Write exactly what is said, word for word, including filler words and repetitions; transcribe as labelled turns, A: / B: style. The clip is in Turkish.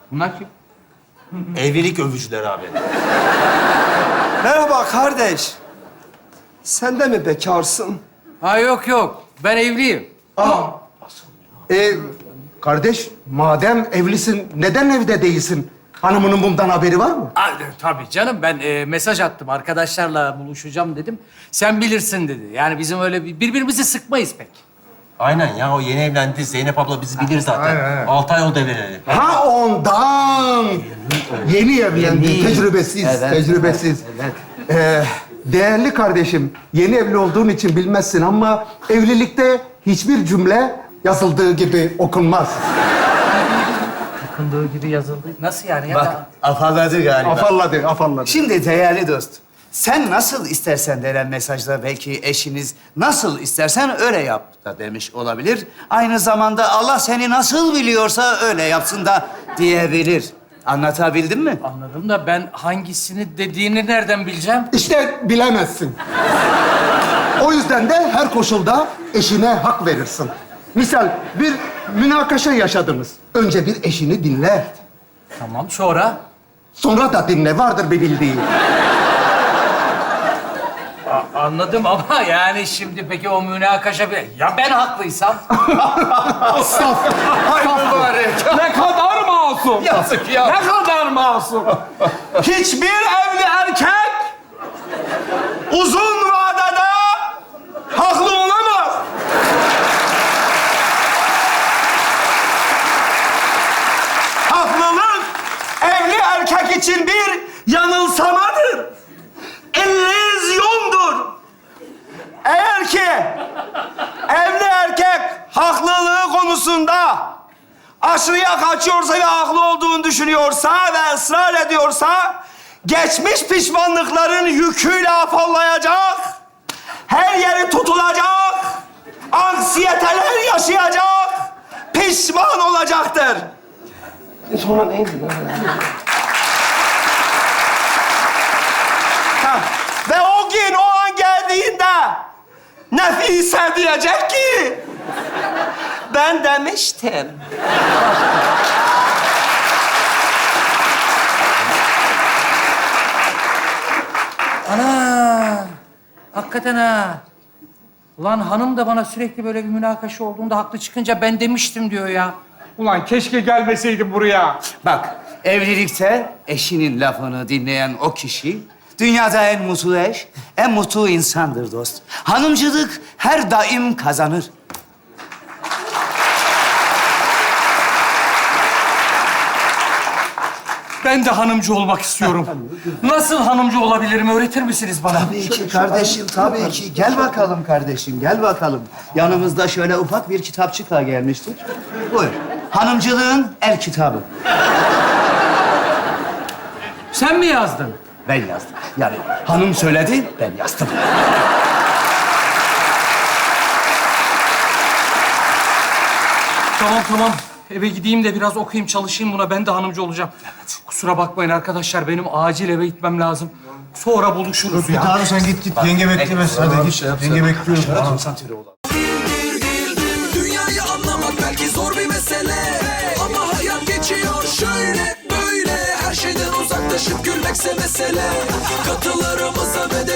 A: Bunlar kim?
B: Evlilik övücüler abi.
C: Merhaba kardeş. Sen de mi bekarsın?
A: Ha yok yok. Ben evliyim.
D: Ee, kardeş, madem evlisin, neden evde değilsin? Hanımının bundan haberi var mı?
A: Aa, tabii canım. Ben e, mesaj attım. Arkadaşlarla buluşacağım dedim. Sen bilirsin dedi. Yani bizim öyle bir- birbirimizi sıkmayız pek.
B: Aynen ya, o yeni evlendi. Zeynep abla bizi bilir zaten. Altı ay oldu evleneli.
D: Ha ondan! Yeni evlendi,
A: Yeni.
D: tecrübesiz,
A: Evet,
D: tecrübesiz.
A: evet.
D: Ee, değerli kardeşim, yeni evli olduğun için bilmezsin ama evlilikte hiçbir cümle yazıldığı gibi okunmaz.
A: Bakındığı gibi yazıldı. Nasıl yani? Ya?
E: Bak, afalladı galiba.
D: Afalladı, afalladı.
E: Şimdi değerli dost, sen nasıl istersen denen mesajda belki eşiniz nasıl istersen öyle yap da demiş olabilir. Aynı zamanda Allah seni nasıl biliyorsa öyle yapsın da diyebilir. Anlatabildim mi?
A: Anladım da ben hangisini dediğini nereden bileceğim?
D: İşte bilemezsin. O yüzden de her koşulda eşine hak verirsin. Misal bir münakaşa yaşadınız. Önce bir eşini dinle.
A: Tamam, sonra?
D: Sonra da dinle, vardır bir bildiği.
A: A- anladım ama yani şimdi peki o münakaşa bir... Ya ben haklıysam?
D: Saf.
C: Ay mübarek.
F: Ne kadar masum.
C: Yazık ya.
F: Ne kadar masum.
C: Hiçbir evli erkek uzun vadede haklı olamaz. Haklılık evli erkek için bir yanılsamadır. İllüzyondur. Eğer ki evli erkek haklılığı konusunda aşırıya kaçıyorsa ve haklı olduğunu düşünüyorsa ve ısrar ediyorsa geçmiş pişmanlıkların yüküyle afallayacak, her yeri tutulacak, anksiyeteler yaşayacak, pişman olacaktır.
D: Sonra neydi?
C: Ha, ve o gün, o an geldiğinde Nefise diyecek ki ben demiştim.
A: Ana! Hakikaten ha. Ulan hanım da bana sürekli böyle bir münakaşa olduğunda haklı çıkınca ben demiştim diyor ya.
F: Ulan keşke gelmeseydin buraya.
E: Bak, evlilikte eşinin lafını dinleyen o kişi dünyada en mutlu eş, en mutlu insandır dost. Hanımcılık her daim kazanır.
A: Ben de hanımcı olmak istiyorum. Nasıl hanımcı olabilirim öğretir misiniz bana?
E: Tabii ki kardeşim, tabii ki. Gel bakalım kardeşim, gel bakalım. Yanımızda şöyle ufak bir kitapçıkla gelmiştik. Buyur. Hanımcılığın el kitabı.
A: Sen mi yazdın?
E: Ben yazdım. Yani hanım söyledi, ben yazdım.
A: Tamam tamam. Eve gideyim de biraz okuyayım, çalışayım buna. Ben de hanımcı olacağım. Kusura bakmayın arkadaşlar. Benim acil eve gitmem lazım. Sonra buluşuruz ya.
G: Abi sen git git. Yenge beklemez. Hadi git. Yenge bekliyor.
H: Dünyayı anlamak belki zor bir mesele, ama hayat geçiyor şöyle böyle. Her şeyden uzaklaşıp gülmekse mesele. Katılarımıza ve de